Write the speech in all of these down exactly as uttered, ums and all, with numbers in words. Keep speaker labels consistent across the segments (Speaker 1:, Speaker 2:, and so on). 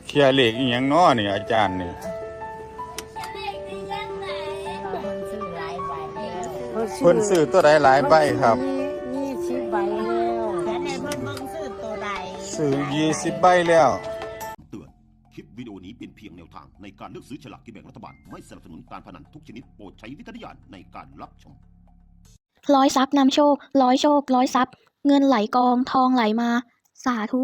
Speaker 1: เคลียร์เหล็กอีหยังน้อนี่อาจารย์นี่เพิ่นซื้อตัวใดหลายใบครับ
Speaker 2: ยี่สิบใบแล้วแต่ในเพิ่นเบิ่งซื้อตัวใด
Speaker 1: ซื้อยี่สิบใบแล้ว
Speaker 3: เตือนคลิปวิดีโอนี้เป็นเพียงแนวทางในการเลือกซื้อฉลากกินแบ่งรัฐบาลไม่สนับสนุนการพนันทุกชนิดโปรดใช้วิจารณญาณในการรับชม
Speaker 4: ร้อยทรัพย์นำโชคร้อยโชคร้อยทรัพย์เงินไหลกองทองไหลมาสาธุ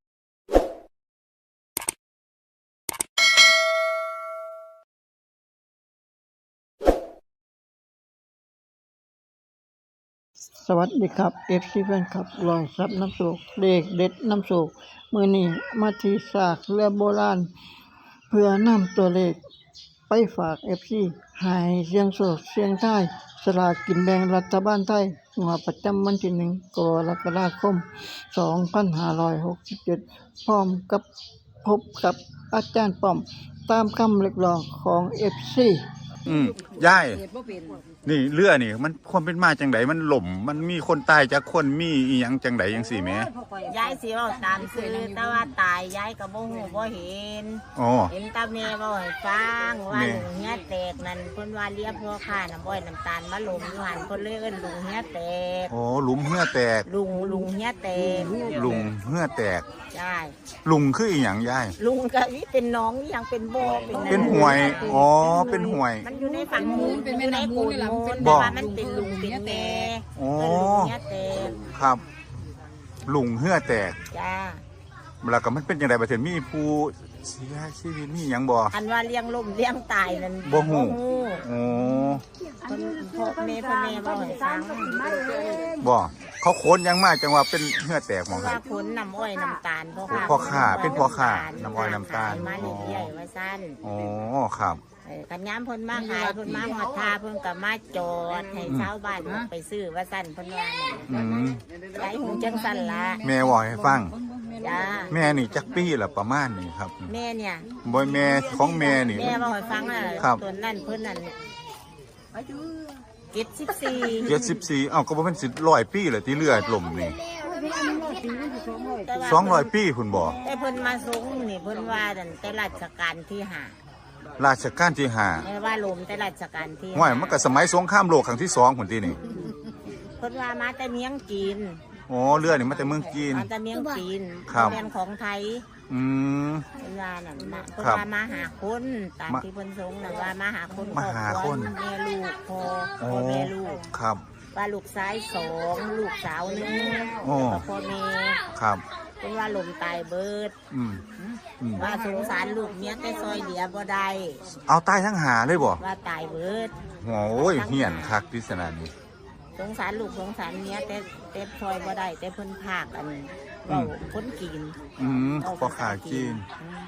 Speaker 5: สวัสดีครับ เอฟ ซี แฟนคลับรอยซับน้ำโศกเลขเด็ดน้ำโศกมือนี้มาที่ซากเรือโบราณเพื่อนำตัวเลขไปฝาก เอฟ ซี ให้เสียงโศกเสียงไทยสลากกินแบ่งรัฐบาลไทยงวดประจำวันที่หนึ่งกรกฎาคมสองพันห้าร้อยหกสิบเจ็ดพร้อมกับพบกับอาจารย์ป้อมตามคำเรียกร้องของ เอฟ ซี
Speaker 1: อืมยายนี่เรือนี่มันความเป็นมาจังไดมันหล่มมันมีคนตายจากคนมีอีหยังจังไดจังสี่แหม
Speaker 2: ยายสิเว้าตามซื่อแต่ว่าตายยายก็บ่ฮู้บ่เห็น
Speaker 1: อ๋อ
Speaker 2: เห็นตาแม่เว้าให้ฟังว่าลุงเฮียแตกนั่นเพิ่นว่าเรียกพ่อค้าน้ำอ้อยน้ำตาลมาลมอยู่หั่นเพิ่นเลยเอิ้นลุงเฮียแตก
Speaker 1: อ๋อหลุมเหือแตก
Speaker 2: ลุงลุงเฮียแตก
Speaker 1: ลุงเหือแตก
Speaker 2: ใช่
Speaker 1: ลุงคืออีหยังยาย
Speaker 2: ลุงก็วิเป็นน้องอีหยังเป็นบ่
Speaker 1: เป็นเป็นห้วยอ๋อเป็นห้วย
Speaker 2: มันอยู่ในฝั่งนู้นเป็นแม่น้ำมูลนี่ล่ะแต่ว่ามันเป็นลุงเป็นแม่
Speaker 1: อ๋อ
Speaker 2: เฮียแตก
Speaker 1: ครับลุงเหือแตก
Speaker 2: จ้า
Speaker 1: แล้วก็มันเป็นจังได๋บ่ถึงมีผู้เสียชีวิตมีหยังบ่
Speaker 2: อันว่าเลี้ยงล่มเลี้ยงตายนั่น
Speaker 1: บ่ฮู้อ๋อ
Speaker 2: เพิ่นพ่อแม่พ่อแม่บ่ให้ฟัง
Speaker 1: บ่เขาโขนยังมาจังว่าเป็นเหือแตกหม่องครับ
Speaker 2: ว่าขนน้ำอ้อยน้ำตาลพ่อค้า
Speaker 1: พ่อค้าเป็นพ่อค้าน้ำอ้อยน้ำตาล
Speaker 2: มาเรื่อยๆว่าซั่น
Speaker 1: อ๋อครับ
Speaker 2: เออกันยามเพิ่นมาขายเพิ่นมาฮอดทาเพิ่นก็มาจอดให้ชาวบ้านไปซื้อว่าซั่นเพิ่นว่า
Speaker 1: อืม
Speaker 2: ไอ้หูจังซั่นล่ะ
Speaker 1: แม่บอกให้ฟัง
Speaker 2: จ้า
Speaker 1: แม่นี่จักปีละประมาณนี้ครับ
Speaker 2: แม่เนี่ย
Speaker 1: บ่แม่ของแม่นี่
Speaker 2: แม่บอกให้ฟังน่ะตัวนั้นเพิ่นนั่นเจ็ดสิบสี่
Speaker 1: เจ็ดสิบสี่เอ้าก็บ่แม่นสิร้อยปีแล้วที่เรือล่มนี่สองร้อยปีพุ่นบ่
Speaker 2: แต่เพิ่นมาสูงนี่เพิ่นว่านั่นแต่ราชการที่ห้า
Speaker 1: ราชการที่ห้า
Speaker 2: แม่ว่าลมแต่ราชการที่
Speaker 1: ห้วยมันก็สมัยสงครามโลกครั้งที่สองพุ่นตินี่
Speaker 2: เพิ่นว่ามาแต่เมียงจีน
Speaker 1: อ๋อเรือนี่มาแต่เมืองจีน
Speaker 2: มาแต่เมียงจีนเป็นของไทย
Speaker 1: อืม
Speaker 2: เพิ่นว่านั่นน่ะเพิ่นว่ามาหาคนตามที่เพิ่นสงน่ะว่ามาหาคน
Speaker 1: มาหาคน
Speaker 2: แม่ลูกพ่อพ่อแม่ลูก
Speaker 1: ครับ
Speaker 2: ว่าลูกชายสองลูกสาวหนึ่งแล้วพ่อแม่
Speaker 1: ครับ
Speaker 2: เพิ่นว่าลมตายเบิด
Speaker 1: อืม
Speaker 2: ว่าสงสารลูกเมียแต่ซอยเหลือบ่ได้
Speaker 1: เอาตายทั้งหาเลยบ่
Speaker 2: ว่าตายเบิด
Speaker 1: โอ้ยเหี้ยนคักพิศนานี้
Speaker 2: สงสารลูกสงสารเมียแต่แต่ซอยบ่ได้แต่เพิ่นภาคอันเว้าคนกิน
Speaker 1: อืมพ่อขากิน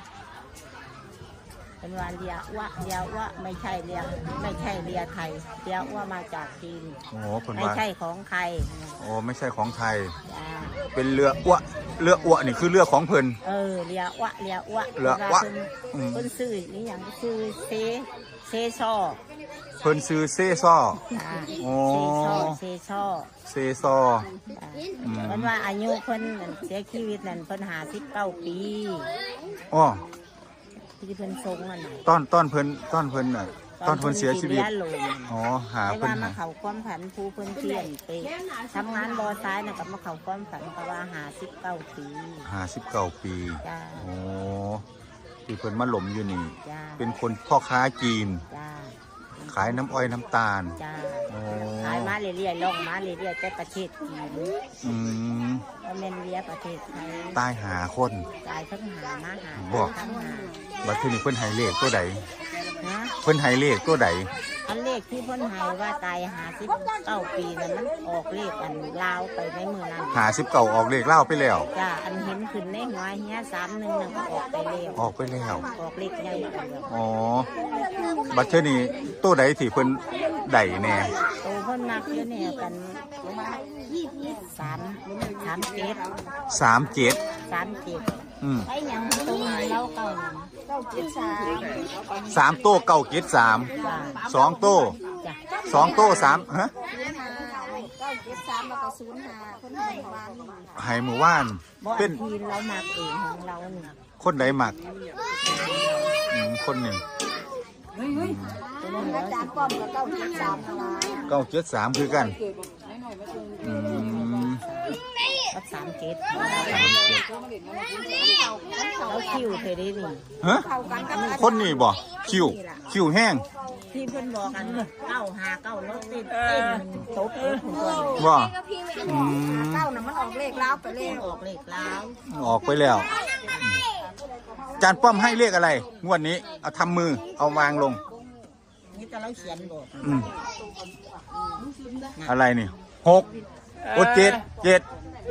Speaker 2: เป็นว่าเรียวะเรียวะไม่ใช่เรียไม่ใช่เรียไทยเรียวะมาจากจีน
Speaker 1: โอ้คนว่า
Speaker 2: ไม่ใช่ของใคร
Speaker 1: โอ้ไม่ใช่ของไทยเป็นเรืออ้วเรืออ้วนี่คือเรือของเพิ่น
Speaker 2: เออเรียวะเรียวะ
Speaker 1: เรืออ้ว
Speaker 2: เพิ่นซื้อนี่อย่างซื้อเซเซซอ
Speaker 1: เพิ่นซื้อเซซ่อ
Speaker 2: โอ้เซซอ
Speaker 1: เซซอ
Speaker 2: เพิ่นว่าอายุเพิ่นเสียชีวิตนั่นเพิ่นห้าสิบเก้าปี
Speaker 1: อ๋อ
Speaker 2: ที่เพิ่นทรงนั่น
Speaker 1: ตอนตอนเพิ่นตอนเพิ่นน่ะตอนเพิ่นเสียชีวิตอ๋อหา
Speaker 2: เพิ่นมาเข้าความฝันผู้เพิ่นเที่ยนไปทำงานบ่อทรายน่ะก็มาเข้าความฝันเพราะว่าห้าสิบเก้าปี
Speaker 1: ห้าสิบเก้าปี
Speaker 2: จ้า
Speaker 1: โอ้ที่เพิ่นมาหลมอยู่นี่
Speaker 2: จ้า
Speaker 1: เป็นคนพ่อค้าจีน
Speaker 2: จ้า
Speaker 1: ขายน้ำอ้อยน้ำตาล
Speaker 2: จ้าขายมาเรื่อยๆล่องมาเรื่อยๆแต่ประเทศจีน
Speaker 1: อืม
Speaker 2: ก็แม่นเรียประเทศไทย
Speaker 1: ตายหาคน
Speaker 2: ตายทั้งหามาหา
Speaker 1: บอกบัดทีนี้เพิ่นให้เลขตัวใดเพิ่นให้เลขตัวใด
Speaker 2: อันเลขที่เพิ่นให้ว่าตายหาสิบเก้าปีนั้นมันออกเลขอันลาวไปในมือนั้น
Speaker 1: หาสิบเก้าออกเลขเล่าไปแล้ว
Speaker 2: จ้าอันเห็นขึ้นในหัวเฮียสามหนึ่งนั่นก็ออกไปแล้ว
Speaker 1: ออกไปแล้ว
Speaker 2: ออกเลขใหญ่
Speaker 1: อ๋อบัดทีนี้ตัวใดที่เพิ่นได้แน่
Speaker 2: ตัวเพิ่นมักอยู่เนี่ยกันสามสามเจ็ด
Speaker 1: สามเจ็ด
Speaker 2: สามเจ็ด
Speaker 1: อืม
Speaker 2: ไอ้ยังตัวเล่าเก่าเก้าเจ็ดสาม
Speaker 1: สามโต้เก้าเจ็ดสามสองโต้สองโต้สามฮะ
Speaker 2: เก้าเจ็ดสามแล้วก็ศูนย์ห้าคนไทยบ้าน
Speaker 1: ไห้หมู่บ้าน
Speaker 2: เป็นทีเราหมักเองของเราเนี่ย
Speaker 1: คนไหนหมักอืมคนหนึ่ง
Speaker 2: อาจารย์ป้อมกับเก้าเจ็ดสามอะไร
Speaker 1: เก้าเจ็ดสามคือกันอืม
Speaker 2: กับสามเจ็ดแล้วคิวเคยได้นี่
Speaker 1: ฮะคนนี้บ่คิวคิวแห้ง
Speaker 2: ที่เพิ่นบอกกันเก้าหาเก้ารถติดเต้นตบเลยผมก่อน
Speaker 1: ว่าอืม
Speaker 2: เก้าน่ะมันออกเลขแล้วไปเลขออกเลขแล้ว
Speaker 1: ออกไปแล้วจานป้อมให้เลขอะไรงวดนี้เอาทำมือเอาวางลง
Speaker 2: นี่จะเราเขียนบอก
Speaker 1: อืมอะไรนี่หกโอเจ็ดเจ็ด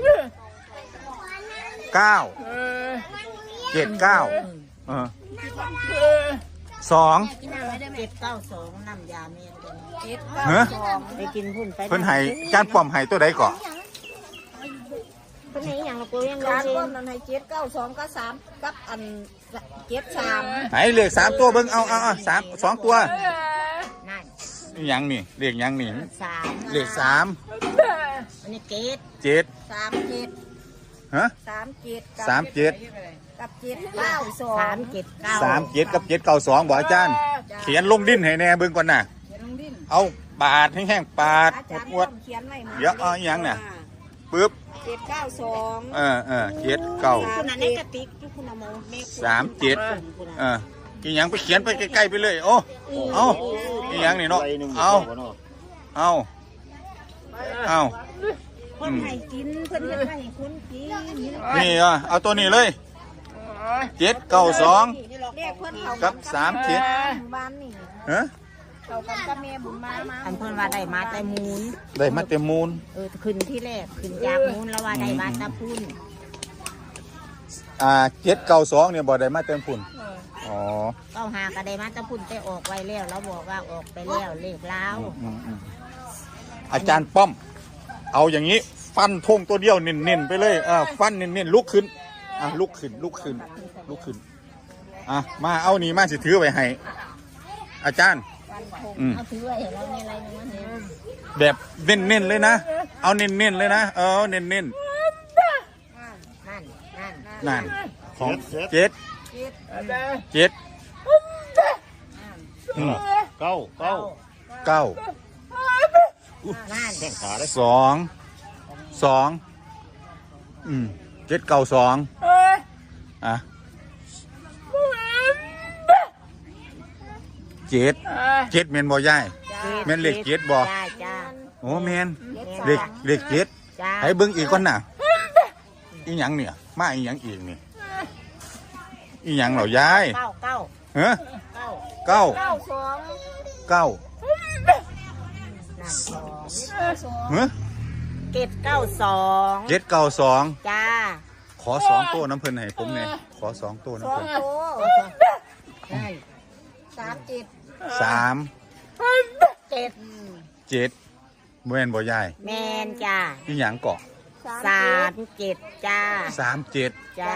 Speaker 1: เก้าเจ็ดเก้าเออสอง
Speaker 2: เจ็ดเก้าสองน้ำยาเมียนเจ็ด
Speaker 1: ฮะ
Speaker 2: ไปกินพุ่นไป
Speaker 1: เพิ่นให้จานป้อมให้ตัวใดก่อน
Speaker 2: เพิ่นให้อย่างละตัวยัง
Speaker 6: การ
Speaker 2: เอง
Speaker 6: ต้นนั้นให้เจ็ดเก้าสองก็สามกับอันเจ็ดสาม
Speaker 1: ไหนเลขสามตัวเบิ่งเอาเอาเอาสามสองตัว
Speaker 2: นั่น
Speaker 1: นี่หยังนี่เลขหยังนี่
Speaker 2: สาม
Speaker 1: เลขสาม
Speaker 2: อันนี้เกต
Speaker 1: เจ็ด
Speaker 6: สามเจ็ด
Speaker 1: ฮะ
Speaker 6: สามเจ็ด
Speaker 1: สามเจ็ด
Speaker 6: กับเจ็ดเก้าสอง
Speaker 2: สามเจ็ดเก้า
Speaker 1: สามเจ็ดกับเจ็ดเก้าสองบอกอาจารย์ เขียนลงดิ้นให้แน่เบิ่งก่อนน่ะ เอาปาดแห้งๆปาด
Speaker 6: อาจารย์
Speaker 1: ปวด
Speaker 6: ต้องเขียนไว้หม
Speaker 1: เดี๋ยวเอาอีหยังน่ะ ปึ๊บ
Speaker 6: เจ็ดเก้าสอง
Speaker 1: เออเออเจ็ดเก้า
Speaker 2: คุณอันนี้กระติกคุณเอามาแม่
Speaker 1: สามเจ็ดเอออีหยังไปเขียนไปใกล้ๆไปเลยโอ้เอาอีหยังนี่เนาะเอาเอาเอา
Speaker 2: เพิ่นให้กินเพิ่นเฮ็ดให้คุณกิน
Speaker 1: นี่อ่ะเอาตัวนี้เลยเจ็ดเก้าสอง
Speaker 6: เรียกเพื่อนเขา
Speaker 1: กับสามเจ็ด
Speaker 6: บ้านนี่
Speaker 1: ฮะ
Speaker 6: เขากันกับแม่บุญมามา
Speaker 2: อันเพิ่นว่าได้มาแต่มูล
Speaker 1: ได้มาเต็มมูล
Speaker 2: เออขึ้นที่แรกขึ้นจากมูลแล้วว่าได้มาแตะพุ่น
Speaker 1: อ่าเจ็ดเก้าสองเนี่ยบ่ได้มาเต็มพุ่นอ๋อ
Speaker 2: เก้าหาก็ได้มาแตะพุ่นแต่ออกไว้แล้วแล้วบอกว่าออกไปแล้วเลขแล้ว
Speaker 1: อืมอืมอาจารย์ป้อม เอาอย่างนี้ ฟันธงตัวเดียวเน้นๆไปเลยอ่าฟันเน้นๆลุกขึ้นอ่ะลุกขึ้นลุกขึ้นลุกขึ้นอ่ะมาเอานี่มาสิถือไว้ให้อาจารย์อืม
Speaker 2: เอาถือไว้ให้เราในอะไรนึงมันเนี่ย
Speaker 1: แบบเน้นๆเลยนะเอาเน้นๆเลยนะเออเน้นๆ
Speaker 2: นั่นนั่น
Speaker 1: นั่นของเจ็ดเจ็ดอืม
Speaker 7: เก้าเก้า
Speaker 1: เก้า
Speaker 2: นั่น
Speaker 7: แข้งขาได้
Speaker 1: สองสองอืมเจ็ดเก้าสองอ่ะเจ็ดเจ็ดเมนบ่ย่ายเมนเลขเจ็ดบ่
Speaker 2: จ้าจ้า
Speaker 1: โอ้เมนเลขเลขเจ็ด
Speaker 2: จ้า
Speaker 1: ให้เบิ่งอีกก่อนน่ะอีหยังเนี่ยมาอีหยังอีกนี่อีหยังเหรอยาย
Speaker 2: เก้าเก้า
Speaker 1: เฮ้อ
Speaker 2: เก้า
Speaker 1: เก้า
Speaker 6: เก้าสอง
Speaker 1: เก้า
Speaker 2: นั่นสอง
Speaker 1: เฮ้อ
Speaker 2: เกตเก้าสอง
Speaker 1: เจ็ดเก้าสอง
Speaker 2: จ้า
Speaker 1: ขอสองตัวน้ำเพิ่นให้ผมเนี่ยขอสองตัว
Speaker 6: ส
Speaker 1: น้ำ
Speaker 6: อง
Speaker 1: เพิ่น
Speaker 6: โต
Speaker 2: นั่น
Speaker 6: สามเจ็ด
Speaker 1: สาม
Speaker 2: เจ็ด
Speaker 1: เจ็ดเมื่อนบ่ยาย
Speaker 2: แมนจ้า
Speaker 1: อีหยังเกาะ
Speaker 2: สามเจ็ดจ้า
Speaker 1: สามเจ็ด
Speaker 2: จ้า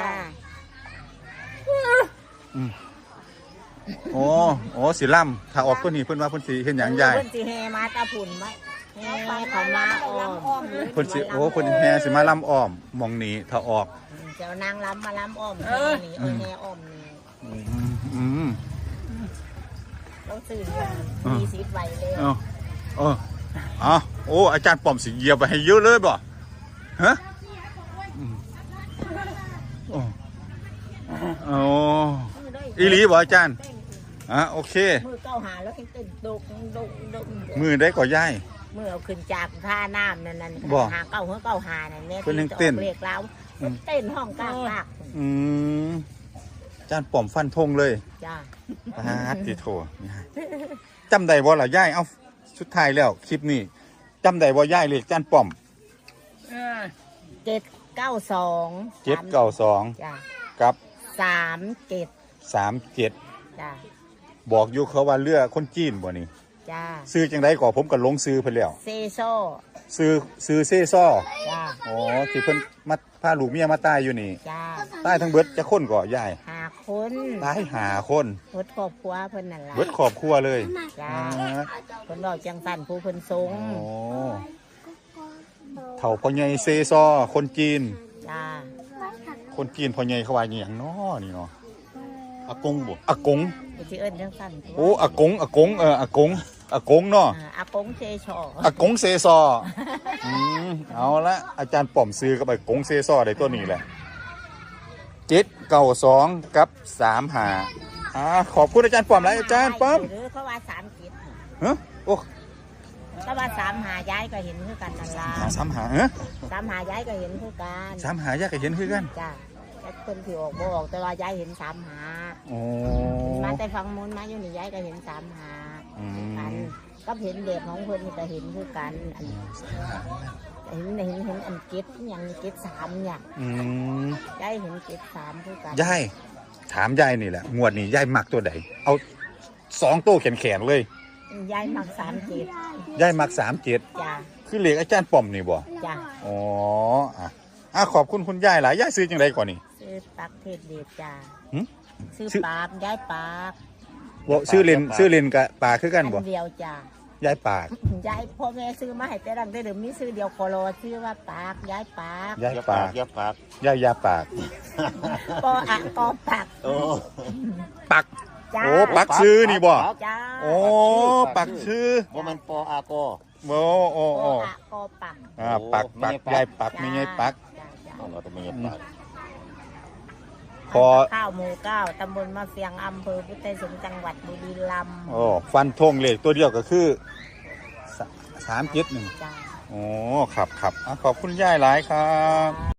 Speaker 1: โอ้โอ้สิล่ำถ้าออกตัวนี้เพิ่นว่าเพิ่นสิเห็นหยังยาย
Speaker 2: เพิ่นสิแฮมาตาพุ่นไหมแฮเขามาอ้อม
Speaker 6: อ้อมเลย
Speaker 1: เพิ่นสิโอ้เพิ่นแฮสิมาล่ำอ้อมหมองนี้ถ้าออก
Speaker 2: เจ้านางล้ำมาล้ำอ้อมแฮนี่เออแฮอ้อมนี่
Speaker 1: อืมอืม
Speaker 2: ต้องซื้อมีสิบใบเลย
Speaker 1: เออเออเอาโอ้อาจารย์ป้อมสิเหยียบไปให้เยอะเลยบ่ฮะอืมโอ้โอ้อีหลีบ่อาจารย์อ่ะโอเค
Speaker 2: มือเก้าหาแล้วเต้นดุกดุกดุก
Speaker 1: มือได้ก่อย่าย
Speaker 2: มือเอาขึ้นจากท่าน้ำนั่นนั่น
Speaker 1: บ่
Speaker 2: หาเก้าหัวเก้าหานั่นเนี่ย
Speaker 1: เพิ่นยังเต้น
Speaker 2: เรียกแล้วเต้นห้องกลางปาก
Speaker 1: อืมอาจารย์ป้อมฟันธงเลย
Speaker 2: จ้า
Speaker 1: ปาดติโถจำได้บ่ล่ะย่ายเอาสุดท้ายแล้วคลิปนี้จำได้บ่ย่ายเลขจานป้อม
Speaker 2: เจ็ดเก้าสอง
Speaker 1: เจ็ดเก้าสอง
Speaker 2: จ้า
Speaker 1: กับ
Speaker 2: สามเจ็ด
Speaker 1: สามเจ็ด
Speaker 2: จ้า
Speaker 1: บอกอยู่เขาว่าเรือคนจีนบ่นี่
Speaker 2: จ้า
Speaker 1: ซื้อจังไดก่อผมก็ลงซื้อเพิ่นแล้ว
Speaker 2: เซโซ่
Speaker 1: ซื้อซื้อเซ่ซ้อ
Speaker 2: จ้า
Speaker 1: อ๋อที่เพิ่นมาพาลูกเมียมาตายอยู่นี่
Speaker 2: จ้า
Speaker 1: ตายทั้งเบิดจะคนก่อย่าย
Speaker 2: หาคน
Speaker 1: ตายหาคน
Speaker 2: รถครอบครัวเพิ่นนั่นล่ะ
Speaker 1: เบิดครอบครัวเลย
Speaker 2: จ้า
Speaker 1: อ่า
Speaker 2: เพิ่นบอกจังสันผู้เพิ่นทรง
Speaker 1: โอ้เฒ่าพ่อใหญ่เซ่ซ้อคนจีน
Speaker 2: จ้า
Speaker 1: คนจีนพ่อใหญ่เขาว่าอหย่างน้อนี่เนาะอากงบ่อากง
Speaker 2: ไปที่เอิ้นจังซั่น
Speaker 1: โอ้อากงอากงเอออากงอากงเนาะ
Speaker 2: อ่าอากงเชชอ
Speaker 1: อากงเซซออืมเอาละอาจารย์ป้อมซื้อกับอากงเซซอได้ตัวนี้แหละเจ็ดเก้าสองกับสามหาอ่าขอบคุณอาจารย์ป้อมหลายอาจารย์ป้อม
Speaker 2: หรือเขาว่าสามจิต
Speaker 1: ฮะโอ้
Speaker 2: เขาว่าสามหาย้ายก็เห็นคือกันนั่นล่ะ
Speaker 1: หาสามหาเฮ้ย
Speaker 2: สามหาย้ายก็เห็นคือกัน
Speaker 1: สามหายากก็เห็นคือกัน
Speaker 2: จ้ะแต่คนที่ออกบ่ออกแต่ว่าย้ายเห็นสามหา
Speaker 1: โอ้
Speaker 2: มาแต่ฟังมูลมาอยู่นี่ย้ายก็เห็นสามหา
Speaker 1: อื
Speaker 2: อัน
Speaker 1: ม
Speaker 2: ก็เห็นเด็กของเพิ่นนี่ก็เห็นคือกันอันเห็นเห็นเห็นอันเก็ดอย่างเก็ดสามอย่าง
Speaker 1: อืม
Speaker 2: ย้ายเห็นเก็ดสามคือกัน
Speaker 1: ยายถามยายนี่แหละงวดนี้ยายมักตัวใดเอาสองตัวแขนแขนๆเลย
Speaker 2: ย้ายมักสามเจ็ด
Speaker 1: ยายมักสามเจ็ด
Speaker 2: จ้ะ
Speaker 1: คือเลขอาจารย์ป้อมนี่บ่
Speaker 2: จ้ะ
Speaker 1: อ๋ออ่ะอ่ะขอบคุณคุณยายหลายยายซื้อจังไดก่อนนี่
Speaker 2: ซื้อปักเทศเดชจ้ะ
Speaker 1: หึ
Speaker 2: ซื้อ
Speaker 1: ชื่อ
Speaker 2: ปากย้ายปาก
Speaker 1: บ่ซื้อเลนซื้อเลนกับปลาคือกันบ่
Speaker 2: อันเดียวจ้ะ
Speaker 1: ยายปาก
Speaker 2: ย้ายพ่อแม่ซื้อมาให้แต่ดังแต่เดิมมีซื้อเดียวโคโลชื่อว่าปากย้ายปาก
Speaker 1: ยายปาก
Speaker 3: ยับปาก
Speaker 1: ยายยาปาก
Speaker 2: ปออะกอปาก
Speaker 3: โอ้
Speaker 1: ปัก
Speaker 2: จ้า
Speaker 1: โอ้ปักซื้อนี่บ่
Speaker 2: จ้า
Speaker 1: โอ้ปักซื้อ
Speaker 3: บ่แมันปออาโก
Speaker 1: โอ้โอ้
Speaker 2: ปอ
Speaker 1: โอ้
Speaker 2: อะกอปาก
Speaker 1: อ่าปักปักยายปักไม่ยายปัก
Speaker 2: จ้าจ้า
Speaker 3: เราต้องมีปาก
Speaker 1: พอ
Speaker 2: ข้าวหมู่เก้าตำบลมะเฟียงอำเภอพุทธสงฆ์จังหวัดบุรีรัมย์
Speaker 1: โอ้ฟันธงเลขตัวเดียวก็คือสามเจ็ดหนึ่ง
Speaker 2: จ้า
Speaker 1: โอ้ครับครับอ่ะขอบคุณยายหลายครับ